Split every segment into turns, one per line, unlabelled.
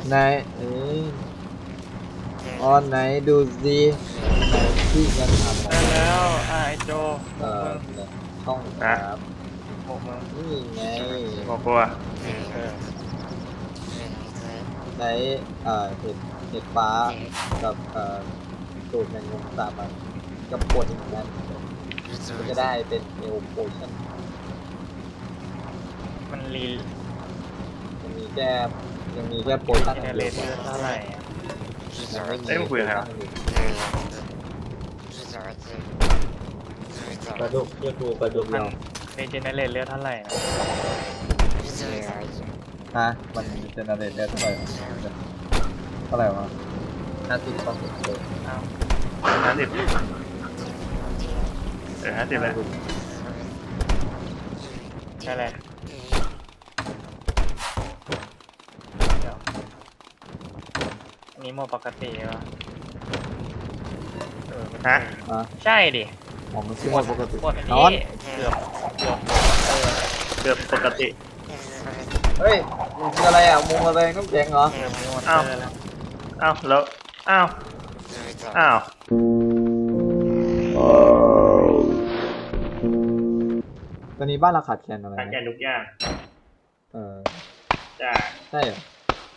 ไหนอ๋อไหนดูสิไหนที่กันทำ
ได้แล้วไอ้โจ
ช่องครับ
บอกมึง
นี่ไง
บอกกูอ่ะ
ใช้เห็ดฟ้ากับสูตรแมงมุมสามันกับขวดอีกนั้นมันจะได้เป็นเอลโพชั่น
มันรี
ยังมีแค่โพชั่น
เจเนเรตเลือดเท่าไหร่อะ
เอ้ยมึงคุยกับใครวะ
ปลาดุกเรียกกูปลาดุก
มัน
เรา
รีเจเนเรตเลือดเท่าไหร่นะ
ฮะมันเจเนเรตได้เท่าไหร่วะ50ต่อ10เลย
อ้าว
5050เลย
ใช่เลยเดี๋ยวอันนี้โหมดปกติวะ
ฮะ
ใช่ดิ
ผมมันคือหมดปกติ
หมดอัน
นอน
นี้เกือบ
เกือบปกติ
เฮ้ยมึงคืออะไรอ่ะมุมอะไรน้ำแข็งเหรอ
เกือบมีหมด
อ้าว
แล้ว
อ้าวแล้วอ้าวอ้าว
ตอนนี้บ้านเราขาดแคลนอะไร
ทานแก
นะ
ทุกอย่าง จ้า
ใช่เหรอ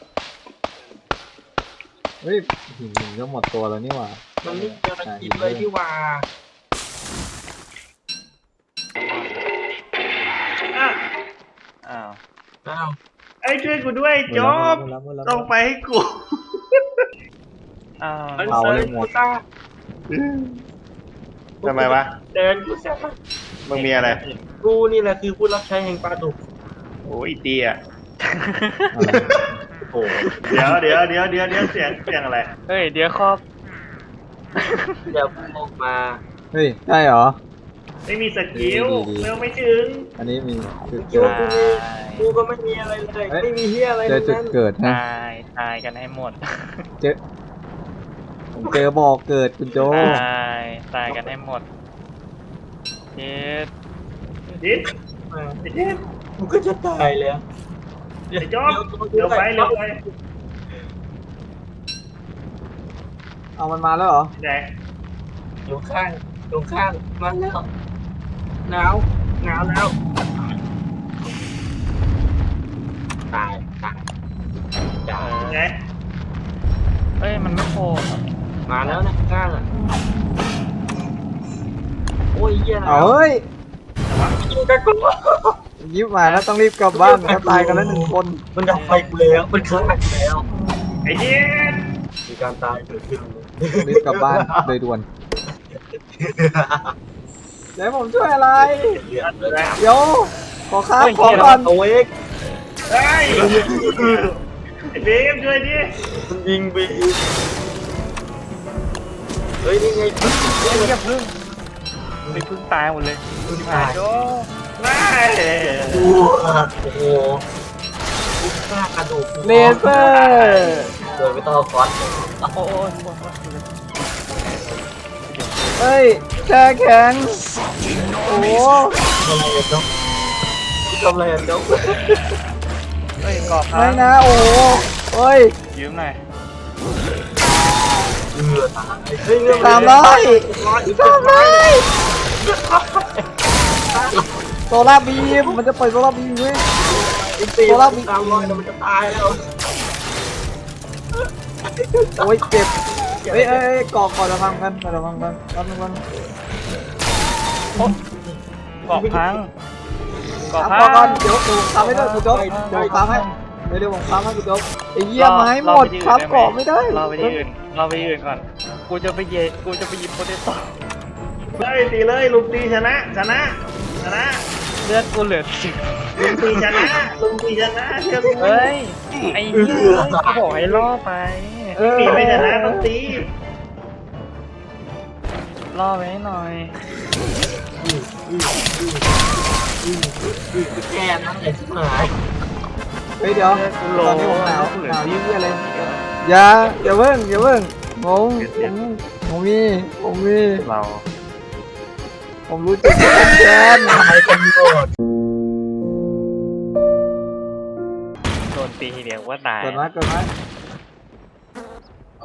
เฮ้ยหินมันก็หมดตัวแล้วนี่หว่า
มันไม่เจอตะกิดเลยที่ว่า
อ้าว
อ้าว
ไอ้ยช่วยกูด้วยจบลงไปให้กู
อ้าว
มันเซิร์ฟกูตา
ทำไมวะ
เดินกูแซ่บ
มึงมีอะไร
กูนี่แหละคือผู้รับใช้แห่งปลาดุก
โอ้ยเตี้ย
โอ้
เดี๋ยวเสียงอะไร
เฮ้ยเดี๋ยวครอบ
เดี๋ยวกูออกมา
เฮ้ยใช่เหรอ
ไม่มีสกิล
ดี
เร็วไม่ถึง
อันนี้มีจุด
คิด
เกิ
ว่า
ด
กูก็ไม่มีอะไรเลยไม่มีเฮียอะไร
เจอจุด
นั้น
เกิดนะ
ตายกันให้หมด
เจอผมเจอบอกเกิดคุณโจ
ตายกันให้หมดเจ็ด
ดิสไอ้ดิส
กูก็จะตายแล้ว
ไอ้จอบเร็วไป
เอามันมาแล้วเหรอ
ไหน
อยู่ข้างมาแล้วหนาวแล้วตายจ้า
ไหน
เอ้ยมันไม่โผล่
มาแล้วนะข้างอ่ะโอ้ยเฮีย
เอาเฮ้ย
ยิงกันกู
ยิบมาแล้วต้องรีบกลับบ้านเขาตายกันแล้วหนึ่งคน
มันดับไฟกูแล้วมันฆ่ากูแล้ว
ไอ้ดิส
มีการตายเกิดขึ้น
รีบกลับบ้านโดยด่วนเดี๋ยวผมช่วยอะไร
เลือดเลย
เดี๋ยวขอค้าของก่อน
เอาเอก
เฮ้ยไอ้เบมช่วยดิ
มันยิงบีเฮ้ยนี่ไง
เฮ้ยอย่าพึ่งไปพึ่งตายหมดเลย
ตาย
โจ
ไม่
โอ้โหกูฆ่ากระดูก
เลเซอร์
โดยไม่ต้องเอาคอน
โอ้ย
เฮ้ยแช่แข็งโอ้โห
ทำอะไรอ่ะจ๊อก
เฮ้ยกรอบพั
ไม่
ง
นะโอ้โหเฮ้ย
ยืมหน่อย
ตายเฮ้ยเรื่อง
300โซล่าร์บีมมันจะปล่อยโซล่าร์บีมด้วย
ตี300แล้วมันจะตายแล้ว
โอ้ยเจ็บเฮ้ยก่อจะพังกันจะพังกันกัน
กรอบพังกรอบ
เอา
พั
ก่อง นเดี๋ยวผมทำให้ด้วยคุณโจ๊กเดี๋ยวผมทำให้เดี๋ยวผมทำให้คุณโจ๊กไอ้เหี้ยไม้หมดครับเกาะไม่ได้
รอไปที่อื่นก่อนกูจะไปหยิบโปเตโต้
เฮ้ยตีเลยลุงตีชนะ
เลือดกูเหลือสิบ
ลุงตีชนะเชื่อกู
เฮ้ยไอ้เหี้ยกูบอกให้ล่อไป
ตีไม่ชนะต้องตี
ล่อไว้หน่อย
แกนั่นแหละที่หาย
เฮ้ยเดี๋ยวตอนนี้ผมหนาวยี่อะไรอย่าเพิ่งผมมี
เรา
ผมรู้จุดแกน
ตายกันหมด
โดนตีทีเดียวว่าตาย
เกิดมา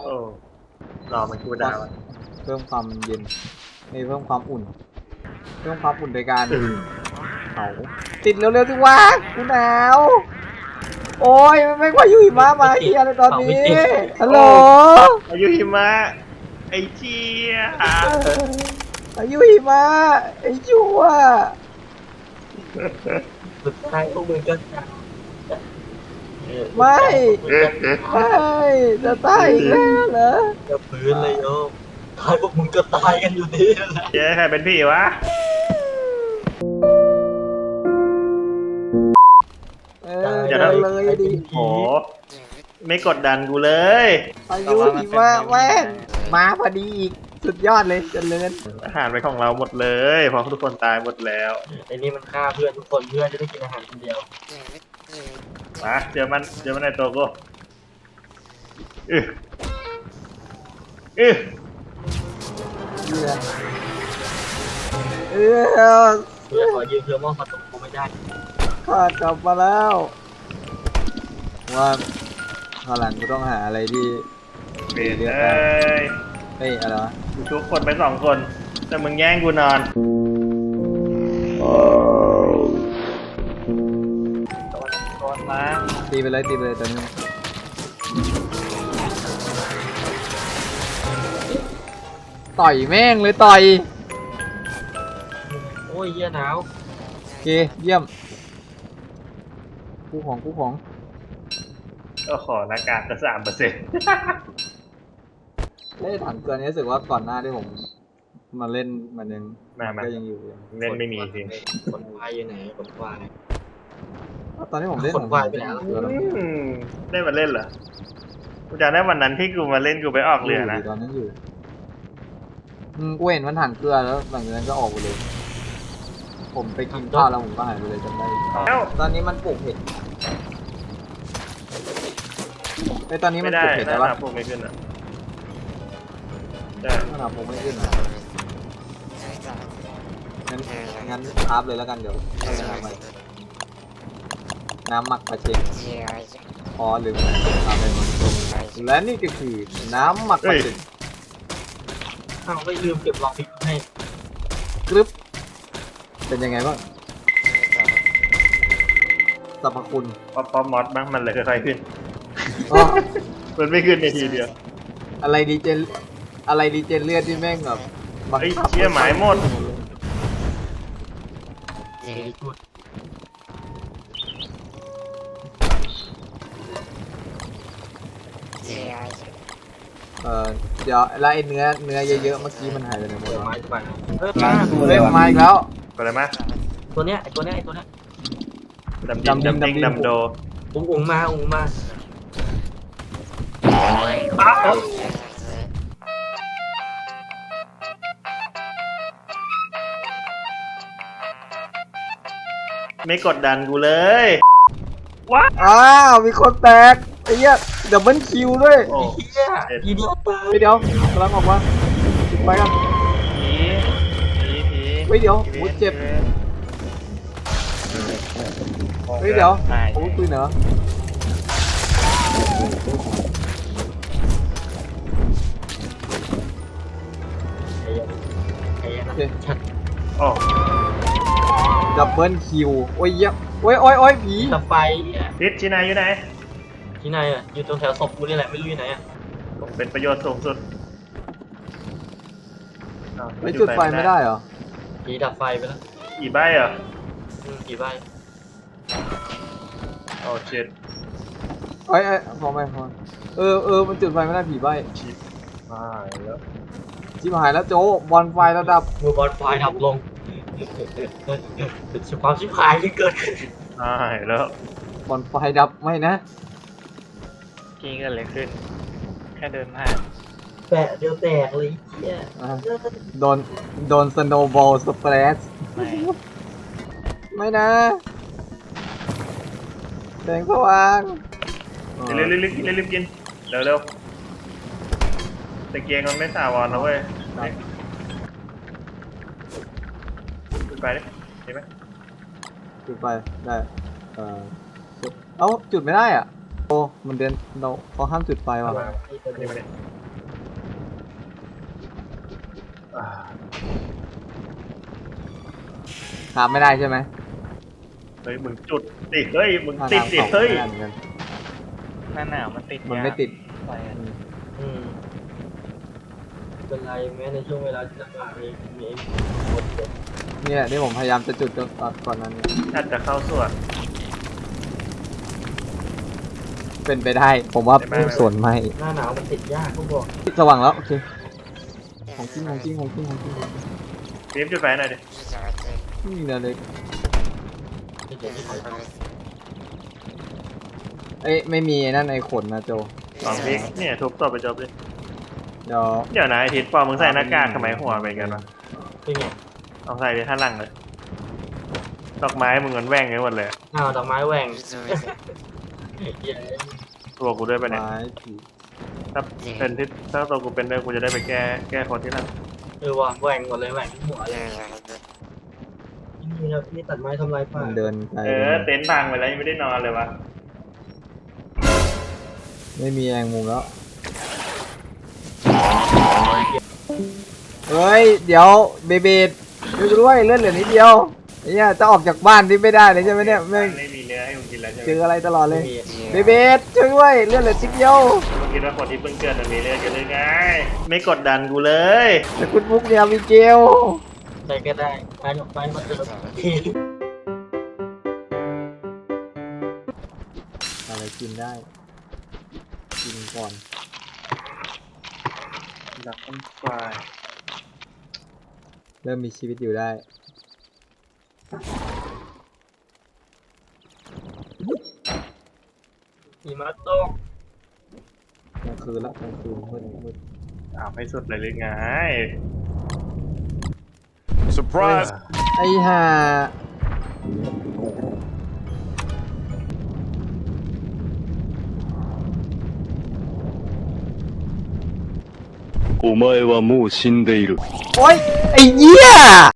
โอ้รอมันกูดาวอะ
เพิ่มความเย็นไม่เพิ่มความอุ่น เพิ่มความอุ่นโดยการเผาติดเร็วๆสิวะกูหนาวโอ้ยไม่พายุหิมะมาเฮียเลยตอนนี้ฮัลโหล
อายุหิมะไอ้เจี๊ย
พายุหิมะไอ้ชั่ว
สุดท้ายพวกมึงก็ตาย
ไม่จะตายอีกแล้วเหรอ
จะพื้นเลยโยมท้ายพวกมึงก็ตายกันอยู่ดีแหละ
เจ๊ใครเป็นพี่วะ
อย่าเลยดิ
โหไม่กดดันกูเลย
พายุหิมะแม่งมาพอดีอีกสุดยอดเลยเจริญ
อาหารเป็นของเราหมดเลยเพราะทุกคนตายหมดแล้ว
ไอ้นี่มันฆ่าเพื่อนทุกคนเพื่อนจะได้กินอาหารคนเดียว
มาเจอมันในตัวกูอืออือ
เออ
เพื่อนขอยืมเพื่อมองประตูกูไม่ได้
ข้ากลับมาแล้ว ว่าข้างหลังกูต้องหาอะไรที่
เปลี่ยนเลย
เฮ้ยอะไรวะ
กูชุบคนไป2 คนแต่มึงแย่งกูนอน
โดนมา
ตีไปเลยตัวนี้ต่อยแม่งเลยต่อย
โอ้ยเหี้ยหนาว
โอเคเยี่ยมคู่ของ
ก็ขอหน้ากากก็3%
เล่ถังเกลือนี้รู้สึกว่าก่อนหน้าที่ผมมาเล่นมันยัง
มา
ก็ยังอยู่
เล่นไม่มีจริง
ขนควายอยู่ไหนขนควาย
ตอนนี้ผมเล่น
คนวายไปแล้ว
เกลือแล้ว
ได้มาเล่นเหรอกูจำได้วันนั้นที่กูมาเล่นกูไปออกเรือนะ
ตอนนั้นอยู่กูเห็นมันถังเกลือแล้วหลังจากนั้นก็ออกไปเลย ผมไปกินข้าวแล้วผมก็หายไปเลยจำได้
แล้ว
ตอนนี้มันปลูกเห็ดไอยตอนนี้
ไม่
มัน
ได้
ปลูกเห็ด
หน้า
ได้ปะ
หนาพวกไม่ขึ้นอ่ะได้
ขนาดผมไม่ขึ้นนะงั้นคราฟเลยแล้วกันเดี๋ยวเอาไปทำใหม่น้ำหมักปลาเค็มอ๋อลืมทำไปมันและนี่ก็คือน้ำหมักปลาเค็ม
อ้าวไม่ลืมเก็บลองพริกให้
กรึบเป็นยังไงบ้างสรรพคุณ
ป๊อปมอสบ้างมันเลยค่อยๆขึ้น
อ๋อ
มันไม่ขึ้นในทีเดียว
อะไรดีเจเลือดที่แม่งแบบบัง
เฮ้ย
คับ
เชี่ยหมายหมด
เฮ้ยกูด
เดี๋ยวแล้วไอ้เนื้อเยอะๆเมื่อกี้มันหายไปไหนหมด
เดี๋ยว
วะ
ไม้จะไปเออ
เฮ้ยมาอีกแล้ว
ไปเลยมั้ย
ตัวเนี้ยไอตัวเนี้ย
ดำดิงดำโด
อุ้งมา
ไม่กดดันกูเลย
อ้าวมีคนแตกไอ้เหี้ยดับเบิลคิวด้วย
โอ้
เฮียอีเดียตาย
เฮ้ยเดี๋ยวกำลังออกมาปิดไปกัน
ผี
เฮ้ยเดี๋ยวโอ้เจ็บเฮ้ยเดี๋ยวโอ้ปืนเหรอ
ไอ้
โอเค
ชัด
โอ้
ดับเบิลคิวโอ้ยเหี้ยโอ้ยผี
ตะไฟ
พิษชินายอยู่ไหน
ที่ไหนอ่ะอยู่ตรงแถวศพกูนี่แหละไม่รู้อยู่ไหนอ่ะ
ผมเป็นประโยชน์สูงสุดอ้าว
ไม่จุดไฟไม่ได้เหรอ
ผีดับไฟไปแล้ว
อีใบเหรอ
ผีใบ
โอ้ชิต
เอ้ยพอไหมพอมันจุดไฟไม่ได้ผีใบ
ชิปอ่าแล้ว
ชิบหายแล้วโจบอลไฟระดับ
มือบอลไฟดับลงความชิบหายที่เกิดขึ้น
อ่าแล้ว
บอลไฟดับไม่นะ
กี้เกิดอะไรขึ้น แค่เดินผ่าน
แปะเดียวแตกเลยเฮีย
อ่ะโดนสโนว์บอลสเปรส
ไม่
ไม่นะแสงสว่าง
เร็วกินเร็วตะเกียงมันไม่สาวรนะเว้ยจุดไปดิเห็นไหม
จุดไฟได้เอ้าจุดไม่ได้อ่ะโอ้โอ้มันเดินเราเขาห้ามจุดไฟว่ะ
มานี่มาเนี่ยอ่า
ถามไม่ได้ใช่ไหม
เฮ้ยมึงจุดติดเฮ้ยมึง
ถ้า
ติด
ถาม
ติด
เขา
เฮ้ย
ไม่ได้เหมือนกัน
หน้าหนาวมันติด
มันไม่ติด
ไฟอะ
อืมเป็นไรแม้ในช่วงเวลาที่ลำบากนี้มีคนเดียว
นี่แหละที่ผมพยายามจะจุดก่อนนั้นเนี่ย
อาจจะเข้าส่วน
เป็นไปได้ ผมว่า
ไม่
ส่วนไม่
หน้าหนาวมันติดยากเขาบอก
สว่างแล้วโอเคของจริงของจริงของจริงของจริง
ฟิล์มจุดไฟหน่อยดิ
นี่เนี่ยเลย
ที่เดี๋ยวนี้เขาท
เอ้ยไม่มีไอ้นั่นไอ้ขนนะโจ
สองพิกเนี่ยทุบตัวไปจบเลย
เดี๋ยว
เดี๋ยวนะไอทิศปอมึงใส่หน้ากากทำไมหัวเป็นกันวะ
ำเป็นไง
เอาใส่ดิท่าหลังเลยดอกไม้มึงเหมือนแหว่งกันหมดเลย
อ้าวดอกไม้แหว่งเย้
ตัวกูด้วยไปะเนี่ย
ไม้ผี
ถ้าเป็นที่ถ้าตัวกูเป็นด้วยกูจะได้ไปแก้คนที่หลัง
ว่ะแหว่งหมดเลยแหว่งทั้งหัวเลยนี่นะพี่ตัดไม้ทำลายป่า
มันเดินไป
เต็นท์พังไปแล้วยังไม่ได้นอนเลยวะ
ไม่มีแองมุมแล้วเฮ้ยเดี๋ยวเบเบดช่วยกูด้วยเลือดเหลือนิดเดียวไอ้เนี่ยจะออกจากบ้านที่ไม่ได้เลยใช่ไหมเนี่ยไม่ง
ไม่มีเนื้อให้มึงกินแล้วใช่ไหม
เจออะไรตลอดเลย
มี
เบเบดช่วยด้วยเลือดเหลือนิดเดียว
มึงคิดว่าคนที่เพิ่งเกิดมันมีเลือดกันเลยไงไม่กดดันกูเลย
แต่คุณบุ๊กเนี่ยมีเกล
ใครก็ได้ไปไปมาเติม
อะไรกินได้ กินก่อน
ดับต้นไฟ
เริ่มมีชีวิตอยู่ได้
หิมะตก
กลางคืนละกลางคืนมืด
เอาให้สุดเลยหรือไง
Surprise!
ไอ้ห่า
お前はもう死んでいる。
โอ๊ยไอ้เหี้ย